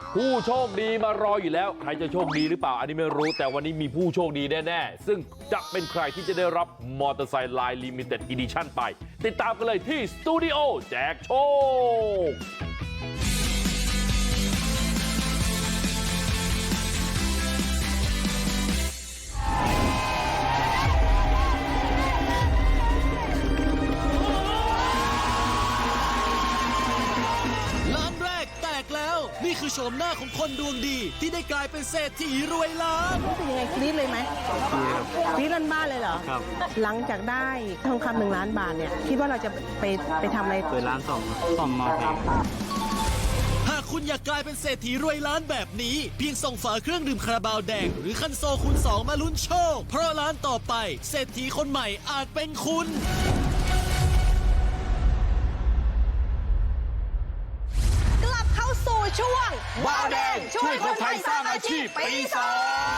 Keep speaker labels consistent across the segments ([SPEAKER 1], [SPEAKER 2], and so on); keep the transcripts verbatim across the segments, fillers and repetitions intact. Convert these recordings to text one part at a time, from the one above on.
[SPEAKER 1] ผู้โชคดีมารออยู่แล้วใครจะโชคดีหรือเปล่าอันนี้ไม่รู้แต่วันนี้มีผู้โชคดีแน่ๆซึ่งจะเป็นใครที่จะได้รับมอเตอร์ไซค์ไลน์ลิมิเต็ดอีดิชั่นไปติดตามกันเลยที่สตูดิโอแจกโชค
[SPEAKER 2] นี่คือโฉมหน้าของคนดวงดีที่ได้กลายเป็นเศรษฐีรวยล้าน
[SPEAKER 3] เป็นยังไงกรี๊ดเลยไหมกรี๊ดลั่นบ้านเลยเหรอครับหลังจากได้ทองคำหนึ่งล้านบาทเนี่ยคิดว่าเราจะไปไปทำอะไร
[SPEAKER 4] เปิดร้านส่งส่งมอเตอร์ไซค์
[SPEAKER 2] หากคุณอยากกลายเป็นเศรษฐีรวยล้านแบบนี้เพียงส่งฝาเครื่องดื่มคาราบาวแดงหรือคันโซคูณสองมาลุ้นโชคเพราะร้านต่อไปเศรษฐีคนใหม่อาจเป็นคุณ
[SPEAKER 5] สู่ช่วง
[SPEAKER 1] ว้าวแดงช่วยคนไทยสร้างอาชีพปีสอง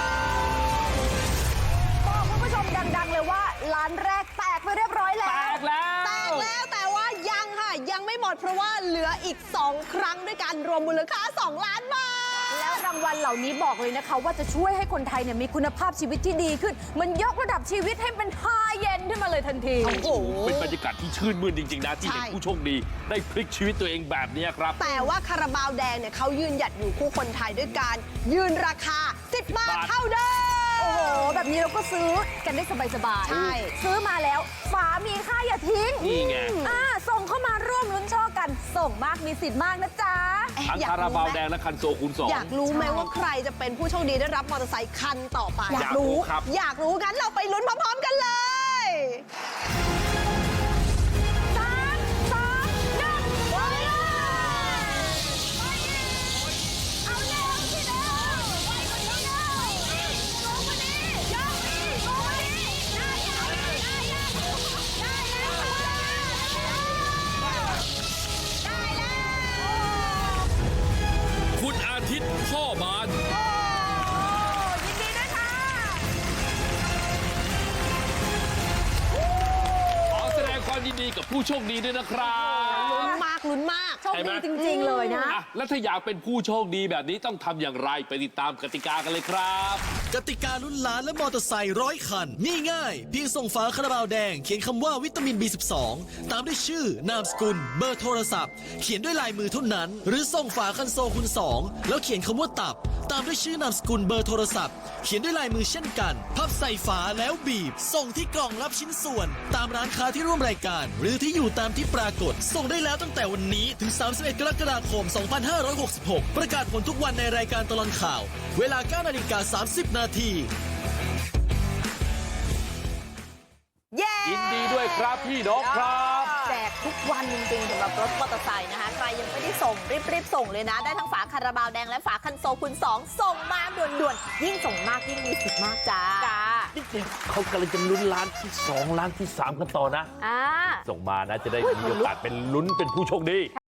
[SPEAKER 5] บอกคุณผู้ชมดังๆเลยว่าร้านแรกแตกไปเรียบร้อยแล้ว
[SPEAKER 1] แตกแล้ว
[SPEAKER 5] แตกแล้วแต่ว่ายังค่ะยังไม่หมดเพราะว่าเหลืออีกสองครั้งด้วยกันรวมมูลค่าสองล้านบาท
[SPEAKER 6] แล้วรางวัลเหล่านี้บอกเลยนะคะว่าจะช่วยให้คนไทยเนี่ยมีคุณภาพชีวิตที่ดีขึ้นมันยกระดับชีวิตให้เป็นไฮเอ็นด์ขึ้นมาเลยทันที
[SPEAKER 1] โอ้โหเป็นบรรยากาศที่ชื่นมื่นจริงๆนะที่เห็นผู้โชคดีได้พลิกชีวิตตัวเองแบบนี้ครับ
[SPEAKER 5] แต่ว่าคาราบาวแดงเนี่ยเขายืนหยัดอยู่คู่คนไทยด้วยการยืนราคาสิบบาทเท่าเดิม
[SPEAKER 6] โอ้โหแบบนี้เราก็ซื้อกันได้สบายๆ
[SPEAKER 5] ใช่
[SPEAKER 6] ซื้อมาแล้วฝามีค่าอย่าทิ้ง
[SPEAKER 1] นี่ไง
[SPEAKER 6] อ่าส่งเข้ามาร่วมลุ้นโชคกันส่งมากมีสิทธิ์มากนะจ๊ะ
[SPEAKER 1] ทั้งคาราบาวแดงและคันโซคูณสอง
[SPEAKER 5] อยากรู้ไหมว่าใครจะเป็นผู้โชคดีได้รับมอเตอร์ไซค์คันต่อไป
[SPEAKER 1] อยากรู้ครับ
[SPEAKER 5] อยากรู้งั้นเราไปลุ้นพร้อมๆกันเลย
[SPEAKER 6] สามสองหนึ่งไปเลยเอาเร็วสิเร็วไปกว่านี้เร็วลงมาดิยกดิลงมาดิได้ยังได้ยังได้แล้วได้แล้ว
[SPEAKER 1] คุณอาทิตย์พ่อบาน
[SPEAKER 6] ยินดีด้วยค่ะ
[SPEAKER 1] ขอแสดงความยินดีกับผู้โชคดีด้วยนะครับ
[SPEAKER 5] ลุ้นมากลุ้นมาก
[SPEAKER 6] โชคดีจริงๆเลยนะ
[SPEAKER 1] แล้วถ้าอยากเป็นผู้โชคดีแบบนี้ต้องทำอย่างไรไปติดตามกติกากันเลยครับ
[SPEAKER 2] กติกาลุ้นล้านและมอเตอร์ไซค์ร้อยคันนี่ง่ายเพียงส่งฝาคาราบาวแดงเขียนคำว่าวิตามิน บี สิบสอง ตามด้วยชื่อนามสกุลเบอร์โทรศัพท์เขียนด้วยลายมือเท่านั้นหรือส่งฝาคันโซคูณสองแล้วเขียนคำว่าตับตามด้วยชื่อนามสกุลเบอร์โทรศัพท์เขียนด้วยลายมือเช่นกันพับใส่ฝาแล้วบีบส่งที่กล่องรับชิ้นส่วนตามร้านค้าที่ร่วมรายการหรือที่อยู่ตามที่ปรากฏส่งได้แล้วตั้งแต่วันนี้ถึงสามสิบเอ็ดกรกฎาคมสองพันห้าร้อยหกสิบหกประกาศผลทุกวันในรายการตลอดข่าวเวลา เก้านาฬิกาสามสิบนาที
[SPEAKER 1] ยินดีด้วยครับพี่น้องครับ
[SPEAKER 6] แจกทุกวันจริงๆสำหรับรถมอเตอร์ไซค์นะคะใครยังไม่ได้ส่งรีบๆส่งเลยนะได้ทั้งฝาคาราบาวแดงและฝาคันโซคูณสองส่งมาด่วนๆยิ่งส่งมากยิ่งมีสิทธิ์มากจ้าจ้า
[SPEAKER 1] นี่เขากำลังจะลุ้นล้านที่สองล้านที่สามกันต่อนะ
[SPEAKER 6] อ่า
[SPEAKER 1] ส่งมานะจะได้มีโอกาสเป็นลุ้นเป็นผู้โชคดี